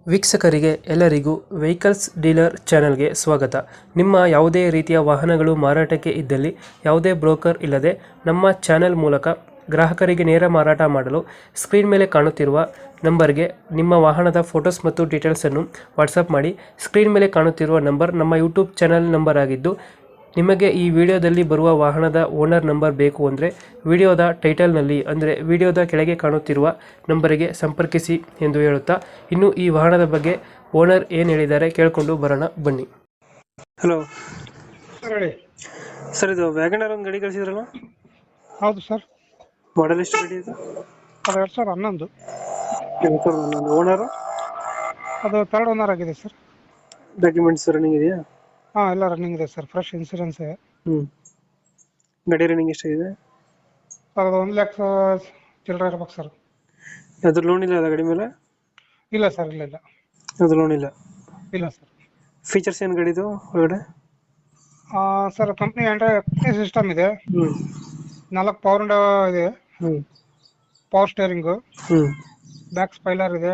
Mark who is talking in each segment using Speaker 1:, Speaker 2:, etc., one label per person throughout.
Speaker 1: ವೀಕ್ಷಕರಿಗೆ ಎಲ್ಲರಿಗೂ vehicles dealer ಚಾನೆಲ್ಗೆ ಸ್ವಾಗತ. ನಿಮ್ಮ ಯಾವುದೇ ರೀತಿಯ ವಾಹನಗಳು ಮಾರಾಟಕ್ಕೆ ಇದ್ದಲ್ಲಿ ಯಾವುದೇ ಬ್ರೋಕರ್ ಇಲ್ಲದೆ ನಮ್ಮ ಚಾನೆಲ್ ಮೂಲಕ ಗ್ರಾಹಕರಿಗೆ ನೇರ ಮಾರಾಟ ಮಾಡಲು ಸ್ಕ್ರೀನ್ ಮೇಲೆ ಕಾಣುತ್ತಿರುವ ನಂಬರ್ಗೆ ನಿಮ್ಮ ವಾಹನದ ಫೋಟೋಸ್ ಮತ್ತು ಡೀಟೇಲ್ಸನ್ನು ವಾಟ್ಸಪ್ ಮಾಡಿ. ಸ್ಕ್ರೀನ್ ಮೇಲೆ ಕಾಣುತ್ತಿರುವ ನಂಬರ್ ನಮ್ಮ ಯೂಟ್ಯೂಬ್ ಚಾನೆಲ್ ನಂಬರ್ ಆಗಿದ್ದು, ನಿಮಗೆ ಈ ವಿಡಿಯೋದಲ್ಲಿ ಬರುವ ವಾಹನದ ಓನರ್ ನಂಬರ್ ಬೇಕು ಅಂದರೆ ವಿಡಿಯೋದ ಟೈಟಲ್ನಲ್ಲಿ ಅಂದರೆ ವಿಡಿಯೋದ ಕೆಳಗೆ ಕಾಣುತ್ತಿರುವ ನಂಬರಿಗೆ ಸಂಪರ್ಕಿಸಿ ಎಂದು ಹೇಳುತ್ತಾ, ಇನ್ನು ಈ ವಾಹನದ ಬಗ್ಗೆ ಓನರ್ ಏನು ಹೇಳಿದ್ದಾರೆ ಕೇಳಿಕೊಂಡು ಬರೋಣ ಬನ್ನಿ. ಹಲೋ
Speaker 2: ಹೇಳಿ
Speaker 1: ಸರ್, ಇದು ವ್ಯಾಗನರ್ ಒಂದು ಗಾಡಿ ಕಳಿಸಿದ್ರಲ್ಲ,
Speaker 2: ಹೌದು ಸರ್.
Speaker 1: ಮಾಡಲ್ ಎಷ್ಟು ಗಾಡಿ ಇದು?
Speaker 2: ಅದು 2011.
Speaker 1: ಓನರ್
Speaker 2: ಅದು ಥರ್ಡ್ ಓನರ್ ಆಗಿದೆ ಸರ್.
Speaker 1: ಡಾಕ್ಯುಮೆಂಟ್ಸ್ ರನ್ನಿಂಗ್ ಇದೆಯಾ?
Speaker 2: ಹಾಂ, ಎಲ್ಲ ರನ್ನಿಂಗ್ ಇದೆ ಸರ್. ಫ್ರೆಶ್ ಇನ್ಸೂರೆನ್ಸ್ ಇದೆ.
Speaker 1: ಗಾಡಿ ರನ್ನಿಂಗ್ ಎಷ್ಟಾಗಿದೆ?
Speaker 2: ಅದು 1,00,000 ಚಿಲ್ಲರೆ ಇರ್ಬೇಕು ಸರ್.
Speaker 1: ಅದ್ರ ಲೋನ್ ಇಲ್ಲ ಅಲ್ಲ ಗಾಡಿ ಮೇಲೆ?
Speaker 2: ಇಲ್ಲ ಸರ್, ಇಲ್ಲ
Speaker 1: ಅದು ಲೋನ್ ಇಲ್ಲ.
Speaker 2: ಇಲ್ಲ ಸರ್.
Speaker 1: ಫೀಚರ್ಸ್ ಏನು ಗಾಡಿದು ಒಳಗಡೆ?
Speaker 2: ಸರ್, ಕಂಪ್ನಿ ಆಂಡ್ರಾಯ್ಡ್ ಸಿಸ್ಟಮ್ ಇದೆ. 4 ಪವರ್ ವಿಂಡೋ ಇದೆ. ಪವರ್ ಸ್ಟೇರಿಂಗು, ಬ್ಯಾಕ್ ಸ್ಪೈಲರ್ ಇದೆ.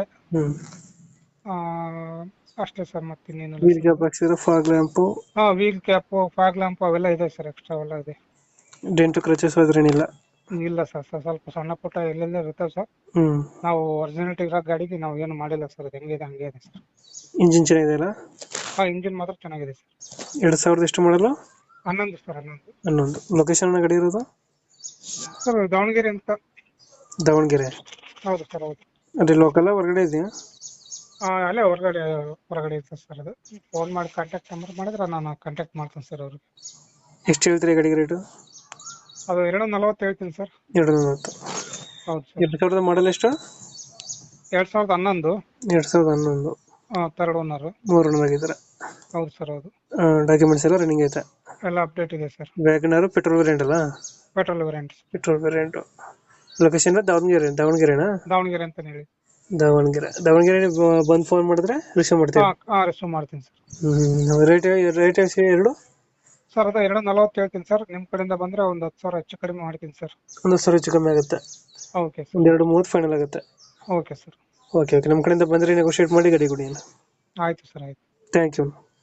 Speaker 2: ಅಷ್ಟೇ ಸರ್, ಮತ್ತಿನ್ನೇನಿಲ್ಲ.
Speaker 1: ವೀಲ್ ಕ್ಯಾಪ್ ಹಾಕ್ಸಿದ್ರೆ, fog lamp?
Speaker 2: Wheel cap, fog lamp ಅವೆಲ್ಲ ಇದೆ ಸರ್. ಎಕ್ಸ್ಟ್ರಾ ಅವೆಲ್ಲ ಇದೆ.
Speaker 1: ಡೆಂಟು ಕ್ರಚಸ್ ಅದ್ರೇನಿಲ್ಲ?
Speaker 2: ಇಲ್ಲ ಸರ್, ಸ್ವಲ್ಪ ಸಣ್ಣ ಪುಟ್ಟ ಎಲ್ಲೆಲ್ಲ ಇರ್ತವೆ ಸರ್. ನಾವು ಒರಿಜಿನಾಲಿಟಿ ಇರೋ ಗಾಡಿಗೆ ನಾವು ಏನು ಮಾಡಿಲ್ಲ ಸರ್. ಅದು ಹೆಂಗಿದೆ ಹಂಗೆ ಇದೆ ಸರ್.
Speaker 1: ಇಂಜಿನ್ ಚೆನ್ನಾಗಿದೆಯಲ್ಲ?
Speaker 2: ಇಂಜಿನ್ ಮಾತ್ರ ಚೆನ್ನಾಗಿದೆ ಸರ್.
Speaker 1: 2000 ಎಷ್ಟು ಮಾಡಲು?
Speaker 2: 11 ಸರ್, 11.
Speaker 1: 11. ಲೊಕೇಶನ್ ಗಾಡಿ ಇರೋದು
Speaker 2: ಸರ್ ದಾವಣಗೆರೆ ಅಂತ.
Speaker 1: ದಾವಣಗೆರೆ?
Speaker 2: ಹೌದು ಸರ್, ಹೌದು.
Speaker 1: ಅದೇ ಲೋಕಲ್ ಹೊರಗಡೆ ಇದೆಯಾ?
Speaker 2: ಅಲ್ಲೇ ಹೊರಗಡೆ ಇರ್ತದೆ ಸರ್. ಅದು ಫೋನ್ ಮಾಡಿ ಕಾಂಟ್ಯಾಕ್ಟ್ ನಂಬರ್ ಮಾಡಿದ್ರೆ ನಾನು ಕಾಂಟ್ಯಾಕ್ಟ್ ಮಾಡ್ತೀನಿ ಸರ್ ಅವ್ರಿಗೆ.
Speaker 1: ಎಷ್ಟು ಹೇಳ್ತೀರಿ ಗಾಡಿಗೆ ರೇಟು?
Speaker 2: ಅದು 240 ಹೇಳ್ತೀನಿ ಸರ್.
Speaker 1: 240.
Speaker 2: ಹೌದು ಸರ್.
Speaker 1: 2000 ಮಾಡಲ್ ಎಷ್ಟು?
Speaker 2: 2011.
Speaker 1: 2011.
Speaker 2: Third owner.
Speaker 1: 3 ಓನರ್ ಆಗಿದ್ದಾರೆ?
Speaker 2: ಹೌದು ಸರ್, ಹೌದು.
Speaker 1: ಡಾಕ್ಯುಮೆಂಟ್ಸ್ ಎಲ್ಲ ರನ್ನಿಂಗ್ ಐತೆ?
Speaker 2: ಎಲ್ಲ ಅಪ್ಡೇಟ್ ಇದೆ ಸರ್.
Speaker 1: ವ್ಯಾಗನರ್ ಪೆಟ್ರೋಲ್ ವೇರಿಯಂಟ್ ಅಲ್ಲ?
Speaker 2: Petrol variant.
Speaker 1: Petrol variant. Location ದಾವಣಗೆರೆನಾ?
Speaker 2: ದಾವಣಗೆರೆ ಅಂತ ಹೇಳಿ.
Speaker 1: ದಾವಣಗೆರೆ ಬಂದು ಫೋನ್ ಮಾಡಿದ್ರೆ ರಿಸೀವ್ ಮಾಡ್ತೀವಿ?
Speaker 2: ರಿಸೀವ್ ಮಾಡ್ತೀನಿ ಸರ್.
Speaker 1: ರೇಟ್ ಎರಡು?
Speaker 2: ಸರ್, ಅದು 240 ಹೇಳ್ತೀನಿ ಸರ್. ನಿಮ್ಮ ಕಡೆಯಿಂದ ಬಂದರೆ ಒಂದು 10,000 ಹೆಚ್ಚು ಕಡಿಮೆ ಮಾಡ್ತೀನಿ ಸರ್.
Speaker 1: ಒಂದು 10,000 ಹೆಚ್ಚು ಕಮ್ಮಿ ಆಗುತ್ತೆ?
Speaker 2: Okay sir.
Speaker 1: ಒಂದು 230 ಫೈನಲ್ ಆಗುತ್ತೆ?
Speaker 2: Okay sir.
Speaker 1: ಓಕೆ, ನಮ್ಮ ಕಡೆಯಿಂದ ಬಂದರೆ ನೆಗೋಷಿಯೇಟ್ ಮಾಡಿ ಗಾಡಿ ಕೊಡಿ.
Speaker 2: ಆಯಿತು ಸರ್, ಆಯಿತು.
Speaker 1: Thank you.